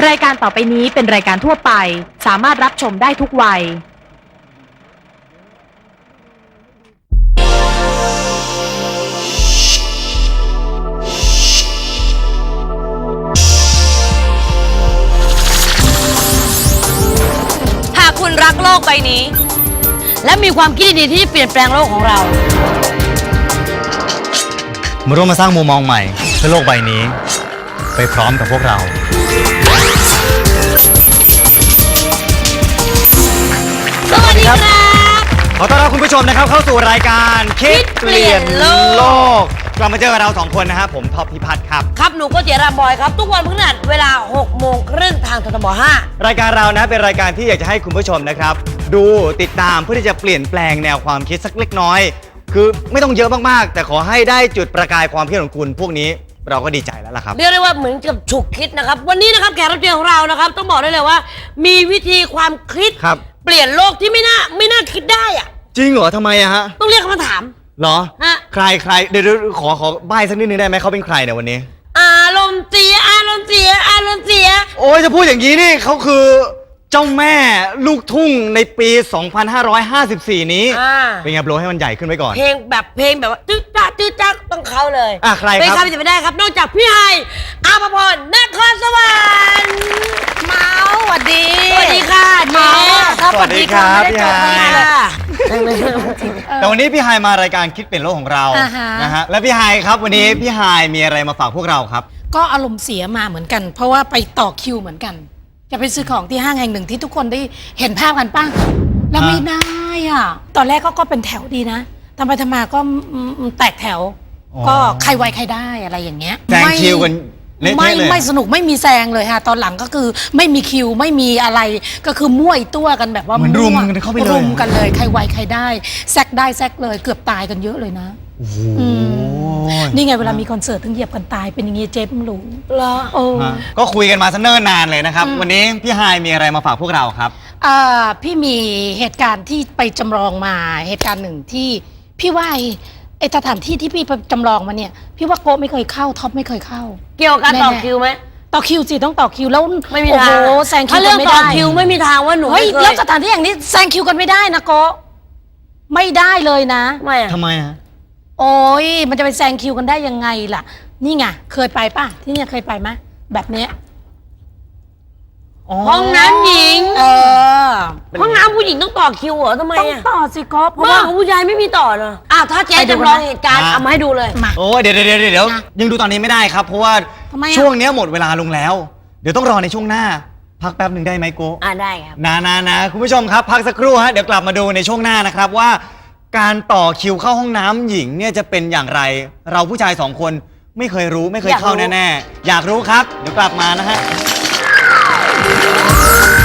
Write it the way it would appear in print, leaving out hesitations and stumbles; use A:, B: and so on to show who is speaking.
A: รายการต่อไปนี้เป็นรายการทั่วไปสามารถรับชมได้ทุกวัย
B: หากคุณรักโลกใบนี้และมีความคิดดีๆที่จะเปลี่ยนแปลงโลกของเรา
C: มาร่วมมาสร้างมุมมองใหม่เพื่อโลกใบนี้ไปพร้อมกับพวกเรา
B: สวัสดีครับ
C: ขอต้อนรับคุณผู้ชมนะครับเข้าสู่รายการคิดเปลี่ยนโลกกลับมาเจอกับเรา2คนนะครับผมท็อปพิพัฒน์ครับ
B: ครับหนูก็เจรามบอยครับทุกวันพฤหัสเวลา 18:30 ทางททบ5
C: รายการเรานะเป็นรายการที่อยากจะให้คุณผู้ชมนะครับดูติดตามเพื่อที่จะเปลี่ยนแปลงแนวความคิดสักเล็กน้อยคือไม่ต้องเยอะมากๆแต่ขอให้ได้จุดประกายความคิดของคุณพวกนี้เราก็ดีใจแล้วล่ะครับ
B: เรียกได้ว่าเหมือนกับฉุกคิดนะครับวันนี้นะครับแขกรับเชิญของเรานะครับต้องบอกได้เลยว่ามีวิธีความคิดเปลี่ยนโลกที่ไม่น่าคิดได้อะ
C: จริงเหรอทำไมอะฮะ
B: ต้องเรียกคำถาม
C: เหรอใครเดี๋ยวขอใบ้สักนิดนึงได้ไหมเขาเป็นใครเนี่ยวันนี้
B: อารมณ์เสีย
C: โอ้ยจะพูดอย่างนี้นี่เขาคือเจ้าแม่ลูกทุ่งในปี 2554 นี้เป็นไงโปรให้มันใหญ่ขึ้นไว้ก่อน
B: เพลงแบบว่าจื๊ดจ๊กต้องเขาเลย
C: ใครครับ
B: เป็นใครจะไม่ได้ครับนอกจากพี่ไฮอาภพรนครสวรรค์
D: เมาสวัสดี
B: ค่ะเมา
C: สวัสดีครับพี่ไฮแต่วันนี้พี่ไฮมารายการคิดเปลี่ยนโลกของเรานะฮะและพี่ไฮครับวันนี้พี่ไฮมีอะไรมาฝากพวกเราครับ
D: ก็อารมณ์เสียมาเหมือนกันเพราะว่าไปต่อคิวเหมือนกันจะไปซื้อของที่ห้างแห่งหนึ่งที่ทุกคนได้เห็นภาพกันป่ะแล้วไม่ได้อ่ะตอนแรกก็เป็นแถวดีนะทำไปทำมาก็แตกแถวก็ใครไวใครได้อะไรอย่างเงี้ย
C: แซงคิวกัน
D: ไม่สนุกไม่มีแซงเลยค่ะตอนหลังก็คือไม่มีคิวไม่มีอะไรก็คือมั่วตัวกันแบบว่า
C: เหมือนรุมกันเข้าไปเลย
D: รุมกันเลยใครไวใครได้แซกได้แซกเลยเกือบตายกันเยอะเลยนะนี่ไงเวลามีคอนเสิร์ตถึงเหยียบกันตายเป็นอย่างงี้เจ๊ไม่รู้
B: เหรอ
C: ก็คุยกันมาซะเนิ่นนานเลยนะครับวันนี้พี่ไฮมีอะไรมาฝากพวกเราครับ
D: พี่มีเหตุการณ์ที่ไปจำลองมาเหตุการณ์หนึ่งที่พี่ว่าไอ้สถานที่ที่พี่ไปจำลองมาเนี่ยพี่ว่าโกไม่เคยเข้าท็อปไม่เคยเข้า
B: เกี่ยวกับการต่อคิวไหม
D: ต่อคิวสิต้องต่อคิวแล้ว
B: ไม่มีทาง
D: แซงคิวกันไม่ได้
B: ถ้าเรื่องต่อคิวไม่มีทางว่าหนู
D: เฮ้ยแล้วสถานที่อย่างนี้แซงคิวกันไม่ได้นะโกไม่ได้เลยนะ
C: ทำไมฮะ
D: โอ้ยมันจะไปแซงคิวกันได้ยังไงล่ะนี่ไงเคยไปป่ะที่เนี่ยเคยไปไหมแบบเนี้ย
B: ห้องน้ำหญิงห้องน้ำผู้หญิงต้องต่อคิวเหรอทำไม
D: ต้องต่อสิก๊อฟเพราะ
B: ว่าของผู้ชายไม่มีต่อเนอะถ้าเจ๊จำลองเหตุการณ์เอามาให้ดูเลย
C: โอ้เดี๋ยวยังดูตอนนี้ไม่ได้ครับเพราะว่าช่วงนี้หมดเวลาลงแล้วเดี๋ยวต้องรอในช่วงหน้าพักแป๊บหนึ่งได้ไหมโก้
B: ได้ครับ
C: นะคุณผู้ชมครับพักสักครู่ฮะเดี๋ยวกลับมาดูในช่วงหน้านะครับว่าการต่อคิวเข้าห้องน้ำหญิงเนี่ยจะเป็นอย่างไรเราผู้ชาย2คนไม่เคยรู้ไม่เคยเข้าแน่ๆอยากรู้ครับเดี๋ยวกลับมานะฮะ